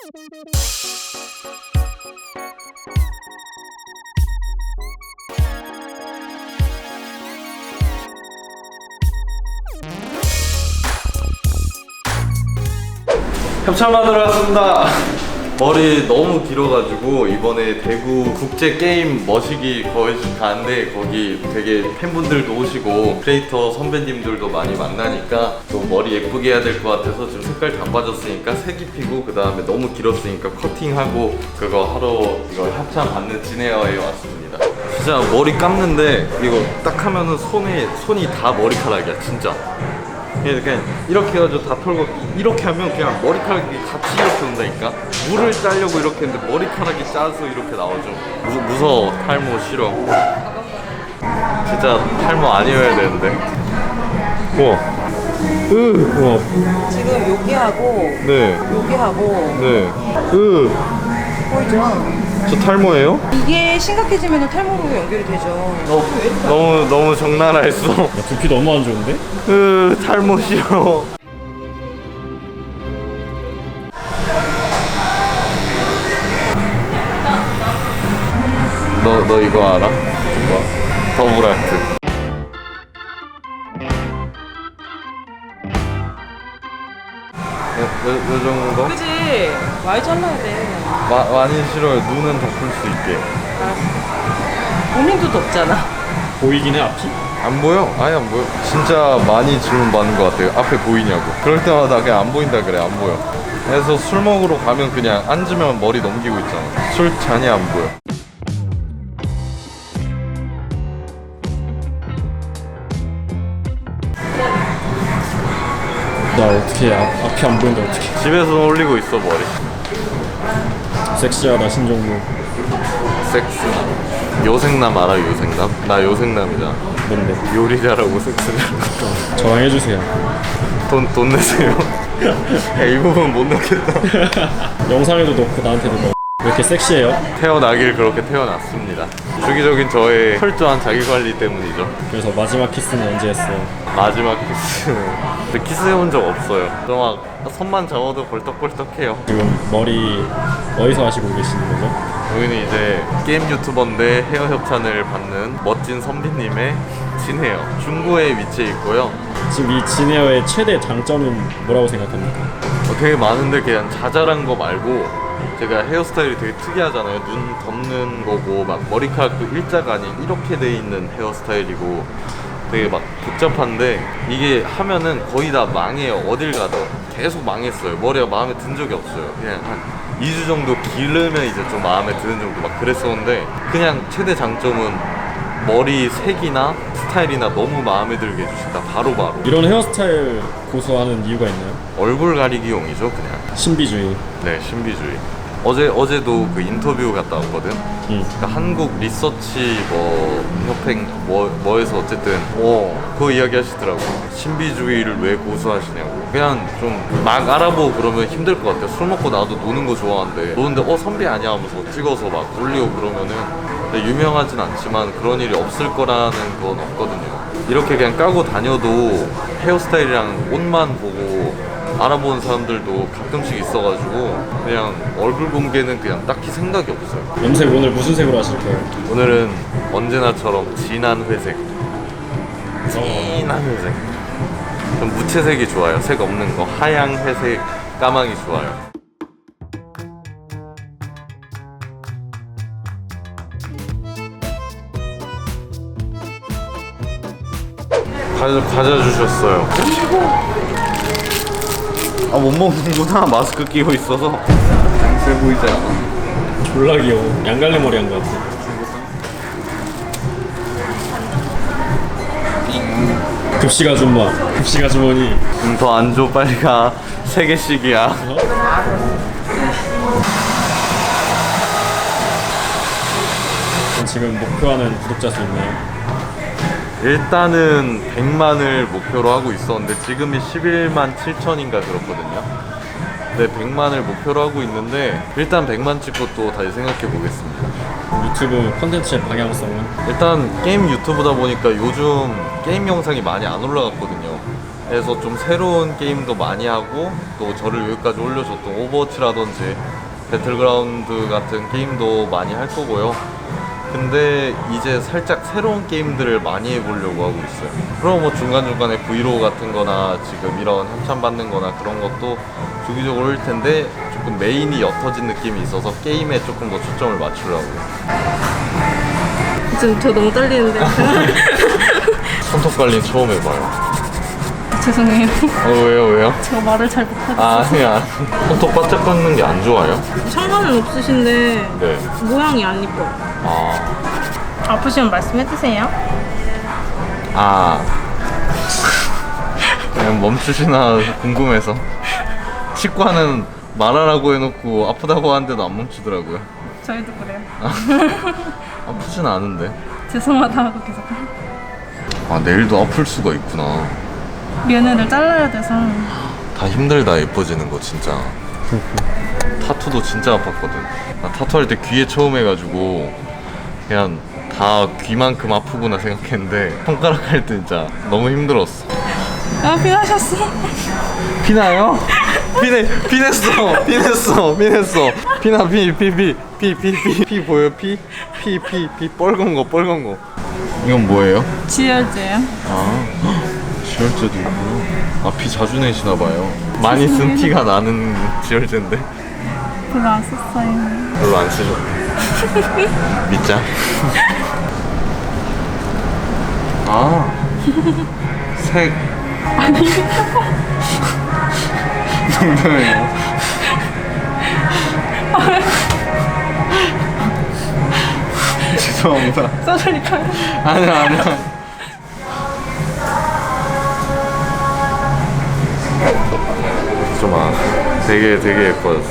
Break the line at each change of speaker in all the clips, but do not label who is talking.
협찬받으러 왔습니다. 머리 너무 길어가지고 이번에 대구 국제게임 머시기 거기서 가는데 거기 되게 팬분들도 오시고 크리에이터 선배님들도 많이 만나니까 또 머리 예쁘게 해야 될 것 같아서 지금 색깔 다 빠졌으니까 색 입히고 그 다음에 너무 길었으니까 커팅하고 그거 하러 이거 협찬 받는 진에어에 왔습니다. 진짜 머리 감는데 이거 딱 하면은 손이 다 머리카락이야 진짜. 그냥 이렇게 해가지고 다 털고 이렇게 하면 그냥 머리카락이 같이 이렇게 온다니까. 물을 짜려고 이렇게 했는데 머리카락이 짜서 이렇게 나오죠. 무서워. 탈모 싫어. 진짜 탈모 아니어야 되는데. 우와. 우와.
지금 여기하고
네.
여기하고
네.
보이죠?
저 탈모예요?
이게 심각해지면 탈모로 연결이 되죠.
너무 적나라했어.
야, 두피 너무 안 좋은데?
탈모 싫어. 너 이거 알아? 뭐? 더블아트. 요 정도?
그지? 많이 잘라야 돼.
많이 싫어요. 눈은 덮을 수 있게.
본인도 덥잖아.
보이긴 해, 앞이?
안 보여? 아예 안 보여. 진짜 많이 질문 받는 것 같아요. 앞에 보이냐고. 그럴 때마다 그냥 안 보인다 그래. 안 보여. 그래서 술 먹으러 가면 그냥 앉으면 머리 넘기고 있잖아. 술 잔이 안 보여.
나 어떻게 앞이 안 보이는데 어떻게?
집에서 올리고 있어 머리.
섹시하다 신종무.
섹스. 요생남 알아? 요생남? 나 요생남이잖아.
뭔데?
요리 잘하고 섹스를.
저랑 해주세요.
돈 내세요. 야, 이 부분 못 넣겠다.
영상에도 넣고 나한테도 넣어. 왜 이렇게 섹시해요?
태어나길 그렇게 태어났습니다. 주기적인 저의 철저한 자기관리 때문이죠.
그래서 마지막 키스는 언제 했어?
마지막 키스. 근데 키스해본 적 없어요. 저 막 손만 잡아도 벌떡벌떡해요.
지금 머리 어디서 하시고 계시는 거죠?
여기는 이제 게임 유튜버인데 헤어 협찬을 받는 멋진 선비님의 진헤어. 중구에 위치해 있고요.
지금 이 진에어의 최대 장점은 뭐라고 생각합니까?
되게 많은데 그냥 자잘한 거 말고 제가 헤어스타일이 되게 특이하잖아요. 눈 덮는 거고 막 머리카락도 일자가 아닌 이렇게 돼 있는 헤어스타일이고 되게 막 복잡한데 이게 하면은 거의 다 망해요. 어딜 가도 계속 망했어요. 머리가 마음에 든 적이 없어요. 그냥 한 2주 정도 기르면 이제 좀 마음에 드는 정도 막 그랬었는데 그냥 최대 장점은 머리 색이나 스타일이나 너무 마음에 들게 해주신다. 바로바로.
이런 헤어스타일 고수하는 이유가 있나요?
얼굴 가리기용이죠 그냥.
신비주의.
네, 신비주의. 어제도 그 인터뷰 갔다 왔거든. 그러니까 한국 리서치 협회 뭐에서 어쨌든 그거 이야기 하시더라고. 신비주의를 왜 고수하시냐고. 그냥 좀 막 알아보고 그러면 힘들 것 같아요. 술 먹고 나도 노는 거 좋아하는데 노는데 선비 아니야 하면서 찍어서 막 올리고 그러면은 근데 유명하진 않지만 그런 일이 없을 거라는 건 없거든요. 이렇게 그냥 까고 다녀도 헤어스타일이랑 옷만 보고 알아보는 사람들도 가끔씩 있어가지고 그냥 얼굴 공개는 그냥 딱히 생각이 없어요.
염색 오늘 무슨 색으로 하실 거예요?
오늘은 언제나처럼 진한 회색. 진한 회색. 좀 무채색이 좋아요. 색 없는 거. 하양, 회색, 까망이 좋아요. 과자 주셨어요. 못 먹는구나. 마스크 끼고 있어서 세 보이지 않아.
졸라 귀여워. 양갈래 머리 한 거 같아. 급식 아줌마, 급식 아주머니.
더 안 줘. 빨리 가. 3개씩이야.
지금 목표하는 구독자 수 있나요?
일단은 100만을 목표로 하고 있었는데 지금이 11만 7천인가 그렇거든요. 네, 100만을 목표로 하고 있는데 일단 100만 찍고 또 다시 생각해 보겠습니다.
유튜브 콘텐츠의 방향성은?
일단 게임 유튜브다 보니까 요즘 게임 영상이 많이 안 올라갔거든요. 그래서 좀 새로운 게임도 많이 하고 또 저를 여기까지 올려줬던 오버워치라든지 배틀그라운드 같은 게임도 많이 할 거고요. 근데 이제 살짝 새로운 게임들을 많이 해보려고 하고 있어요. 그럼 뭐 중간중간에 브이로그 같은 거나 지금 이런 협찬 받는 거나 그런 것도 주기적으로 할 텐데 조금 메인이 옅어진 느낌이 있어서 게임에 조금 더 초점을 맞추려고요.
지금 저 너무 떨리는데.
손톱 관리 처음 해봐요.
죄송해요.
왜요?
제가 말을 잘 못하겠어요.
아니야. 손톱 바짝 깎는 게 안 좋아요?
상관은 없으신데
네.
모양이 안 이뻐요. 아프시면 말씀해주세요.
그냥 멈추시나 궁금해서. 치과는 말하라고 해놓고 아프다고 하는데도 안 멈추더라고요.
저희도 그래요.
아프진 않은데.
죄송하다 하고 계속.
내일도 아플 수가 있구나.
면을 잘라야 돼서.
다 힘들다 예뻐지는 거 진짜. 타투도 진짜 아팠거든. 나 타투할 때 귀에 처음 해가지고 그냥 다 귀만큼 아프구나 생각했는데 손가락 할 때 진짜 너무 힘들었어.
피하셨어.
피나요? 피냈어. 피나 피 보여? 피 빨간 거. 이건 뭐예요?
지혈제요.
지혈제도 있구나. 피 자주 내시나 봐요. 많이 쓴 티가 나는 지혈제인데
별로 안 썼어요.
별로 안 쓰죠. 믿자. 색. 농담이에요. 죄송합니다.
써주니까요.
아니야. 좀 되게 예뻐졌어.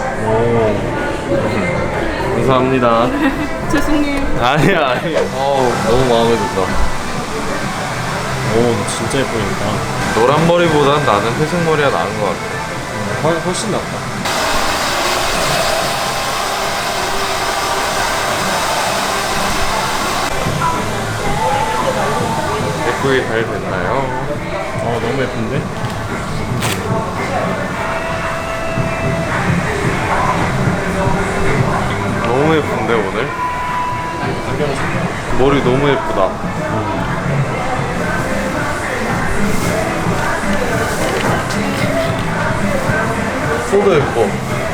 감사합니다.
죄송해요.
아니야. 너무 마음에 든다.
오 진짜 예쁘니까.
노란 머리보단 나는 회색 머리가 나은 것 같아.
훨씬 낫다.
예쁘게 잘 됐나요?
너무 예쁜데?
너무 예쁜데 오늘? 머리 너무 예쁘다. 소도 예뻐.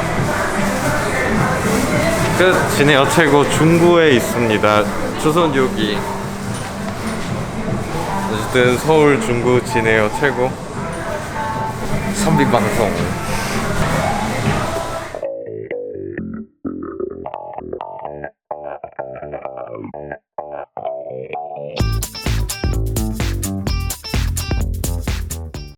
끝. 진해어 최고 중구에 있습니다. 주소는 여기. 어쨌든 서울 중구 진해어 최고. 선비방송.